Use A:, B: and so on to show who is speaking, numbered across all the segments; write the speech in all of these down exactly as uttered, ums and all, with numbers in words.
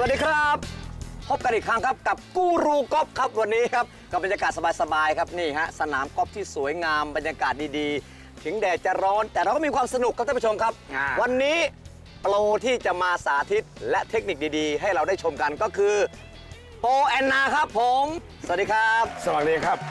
A: วัสดีครับพบกันอีกครั้งครับกับกูรูกอล์ฟครับวันนี้ครับกับบรรยากาศสบายๆครับนี่ฮะสนามกอล์ฟที่สวยงามบรรยากาศดีๆถึงแดดจะร้อนแต่เราก็มีความสนุกครับท่านผู้ชมครับวันนี้โปรที่จะมาสาธิตและเทคนิคดีๆให้เราได้ชมกันก็คือโปรแอนนาครับผมสวัสดีครับ
B: สวัสดีครับ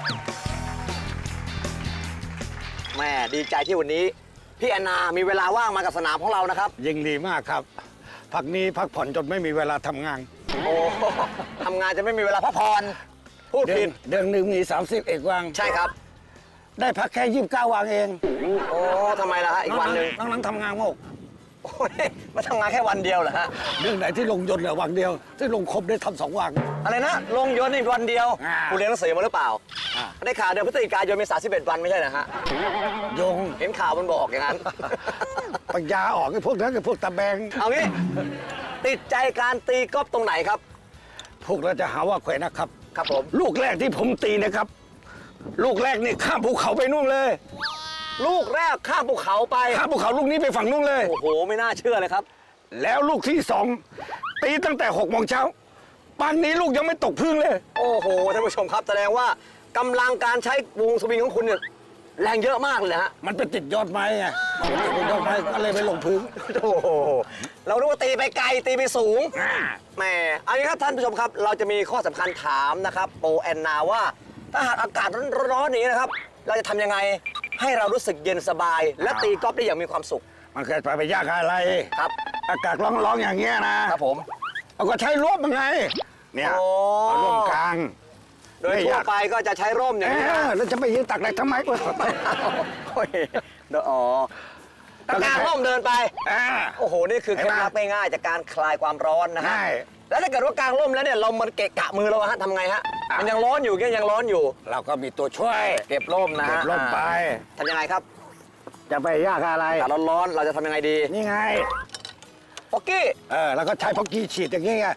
A: แม่ดีใจที่วันนี้พี่แอนนามีเวลาว่างมากับสนามของเรานะครับ
B: ยิ่งดีมากครับพักนี้พักผ่อนจนไม่มีเวลาทำงาน
A: โอ้ทำงานจะไม่มีเวลาพักผ่อนพูดผิด
B: เดือนหนึ่งมีสามสิบเอกวัน
A: ใช่ครับ
B: ได้พักแค่ยี่สิบเก้าวันเอง
A: โอ้ทำไมล่ะฮะอีกวันหนึ่ง
B: น้องนั้นทำงานโมก
A: โอ้ยมาทำงานแค่วันเดียวเหรอฮะ
B: เรื่องไหนที่ลงยนต์เหลือวันเดียวที่ลงครบได้ทำสองวัน
A: อะไรนะลงยนต์ในวันเดียวคุณเรียนหนังสือมาหรือเปล่าได้ข่าวเดือนพฤศจิกายนมีสามสิบเอ็ดวันไม่ใช่นะฮะ
B: ยง
A: เห็นข่าวมันบอกอย่างนั้น
B: ปัญญาออกไอ้พวกนั้นไอ้พวกตะแบง
A: เอางี้ติดใจการตีกอล์ฟตรงไหนครับ
B: พวกเราจะหาว่าแขวนะครับ
A: ครับผม
B: ลูกแรกที่ผมตีนะครับลูกแรกนี่ข้ามภูเขาไปนู่นเลย
A: ลูกแรกข้ามภูเขาไป
B: ข้ามภูเขาลูกนี้ไปฝั่งนู่นเลย
A: โอ้โหไม่น่าเชื่อเลยครับ
B: แล้วลูกที่สองตีตั้งแต่หกโมงเช้าป่านนี้ลูกยังไม่ตกพึ่งเลย
A: โอ้โหท่านผู้ชมครับแสดงว่ากำลังการใช้วงสวิงของคุณเนี่ยแรงเยอะมากเลยฮะ
B: มันไปติดยอดไม้ไงมันติดยอดไม้ก็เลยไปลงพื้น
A: โอ้โหเรารู้ว่าตีไปไกลตีไปสูงแหมอันนี้ครับท่านผู้ชมครับเราจะมีข้อสำคัญถามนะครับโปรแอนนาว่าถ้าหากอากาศร้อนๆนี้นะครับเราจะทำยังไงให้เรารู้สึกเย็นสบายและตีกอล์ฟได้อย่างมีความสุข
B: มันเกิดไปไปยากอะไร
A: ครับ
B: อากาศร้อนๆอย่างเงี้ยนะครับ
A: ผม
B: เอาก็ใช้ร่มยังไงเนี่ยเอาร่มกลาง
A: โดยทั่วไปก็จะใช้ร่มอย่างนี้
B: แล้วจะไปยืนตักอะไรทำไมโอ้
A: ยอ๋อกางร่มเดินไปโอ้โหนี่คือเคล็ดลับง่ายๆจากการคลายความร้อนนะฮะแล้วถ้าเกิดว่ากางร่มแล้วเนี่ยเรามันเกะกะมือเราฮะทำไงฮะมันยังร้อนอยู่ก็ยังร้อนอยู่
B: เราก็มีตัวช่วย
A: เก็บร่มนะฮะ
B: เก็บร่มไป
A: ทำยังไงครับ
B: จะไปยากอะไร
A: อากาศร้อนๆเราจะทำยังไงดี
B: นี่ไง
A: พ็อกกี้
B: เออแล้วก็ใช้พ็อกกี้ฉีดอย่างงี้ไง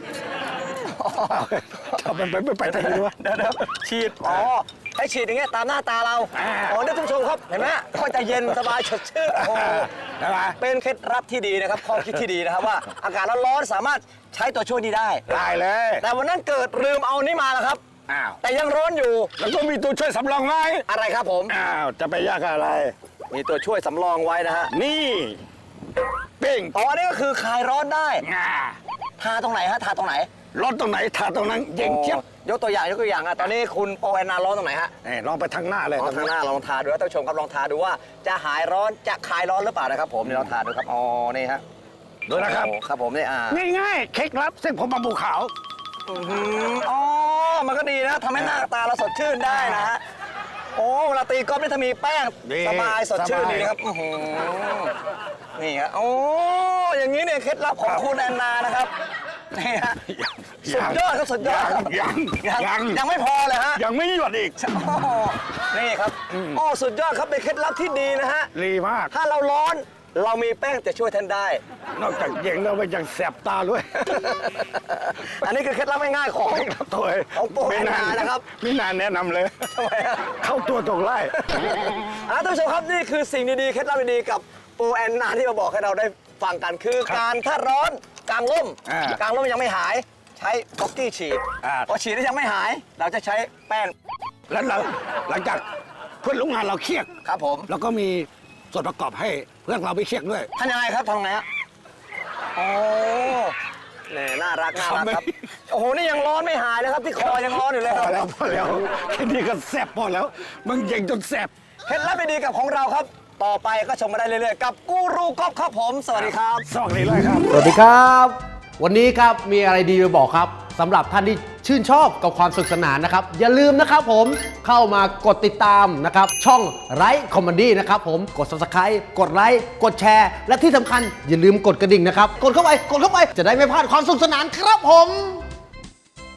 B: ทำมันไปไม่ไปทางนี้วะ
A: เดี๋ยวฉีดอ๋อให้ฉีดอย่างเงี้ยตามหน้าตาเราอ๋อเนี่ยท่านผู้ชมครับเห็นไหมก็จะเย็นสบายสดชื่นโอ้เป็นเคล็ดลับที่ดีนะครับข้อคิดที่ดีนะครับว่าอากาศร้อนๆสามารถใช้ตัวช่วยนี้ได้
B: ได้เลย
A: แต่วันนั้นเกิดลืมเอานี่มาแล้วครับ
B: อ้าว
A: แต่ยังร้อนอยู่
B: แล้วก็มีตัวช่วยสำรองไว้
A: อะไรครับผม
B: อ้าวจะไปยากอะไร
A: มีตัวช่วยสำรองไว้นะฮะ
B: นี่เป้ง
A: อ๋อนี่ก็คือคลายร้อนได้ทาตรงไหนฮะทาตรงไหน
B: ร้อนตรงไหนทาตรงนั้นเย็นเจี๊ยบ
A: ยกตัวอย่างยกตัวอย่างอ่ะตอนนี้คุณโปรแอนนาร้อนตรงไหนฮะ
B: ลองไปทางหน้าเลย
A: ทางหน้าลองทาดูท่านผู้ชมครับลองทาดูว่าจะหายร้อนจะคลายร้อนหรือเปล่านะครับผมนี่ลองทาดูครับอ๋อนี่ฮะ
B: ดูนะครับ
A: ครับผมนี่อ่า
B: ง่ายๆเคล็ดลับเส้นผมบางปูขาว
A: อ๋อมันก็ดีนะทำให้หน้าตาเราสดชื่นได้นะฮะโอ้เวลาตีกอล์ฟนี่ถ้ามีแป้งสบายสดชื่นดีนะครับนี่ฮะโอ้อย่างนี้เนี่ยเคล็ดลับของคุณแอนนานะครับนี่ฮะสุดยอดครับสุดยอดครับ
B: ยัง
A: ยังยังไม่พอเลยฮะ
B: ยังไม่หยุดอีก
A: นี่ครับโอ้สุดยอดครับเป็นเคล็ดลับที่ดีนะฮะ
B: ดีมาก
A: ถ้าเราร้อนเรามีแป้งจะช่วยท่านได้
B: นอกจากเย็นแล้วมันยังแสบตาด้วย
A: อันนี้คือเคล็ดลับง่ายๆของ
B: ตัว
A: ของโปรแอนนานะครับ
B: ไม่นานแนะนำเลย
A: ทำไมฮะ
B: เข้าตัวตรงไล่
A: ท่านผู้ชมครับนี่คือสิ่งดีๆเคล็ดลับดีๆกับโปรแอนนาที่มาบอกให้เราได้ฟังกันคือการถ้าร้อนกางร่มกางร่มยังไม่หายใช้พ็อกกี้ฉีดพอฉีดแล้วยังไม่หายเราจะใช้แป้ง
B: แล้วเราหลังจากเพื่อนร่วมงานเราเครียด
A: ครับผม
B: แล้วก็มีส่วนประกอบให้เพื่อนเราไปเครียดด้วย
A: ทำยังไงครับทำไงฮะโอ้เนี่ยน่ารักน่ารักครับโอ้โหนี่ยังร้อนไม่หายเลยครับที่คอยังร้อนอยู่เลยครับ
B: พอแล้วพอแล้วแค่นี้ก็แสบพอแล้วมันเย็นจนแสบ
A: เคล็ดลับดีๆกับของเราครับต่อไปก็ชมมาได้เรื่อยๆกับกูรูกอล์ฟครับผมสวัสดีครับ
B: สวัสดีเลยครับ
C: สวัสดีครับวันนี้ครับมีอะไรดีมาบอกครับสำหรับท่านที่ชื่นชอบกับความสนุกสนานนะครับอย่าลืมนะครับผมเข้ามากดติดตามนะครับช่องไลฟ์คอมเมดี้นะครับผมกด ซับสไครบ์ กดไลค์กดแชร์และที่สำคัญอย่าลืมกดกระดิ่งนะครับกดเข้าไปกดเข้าไปจะได้ไม่พลาดความสนุกสนานครับผม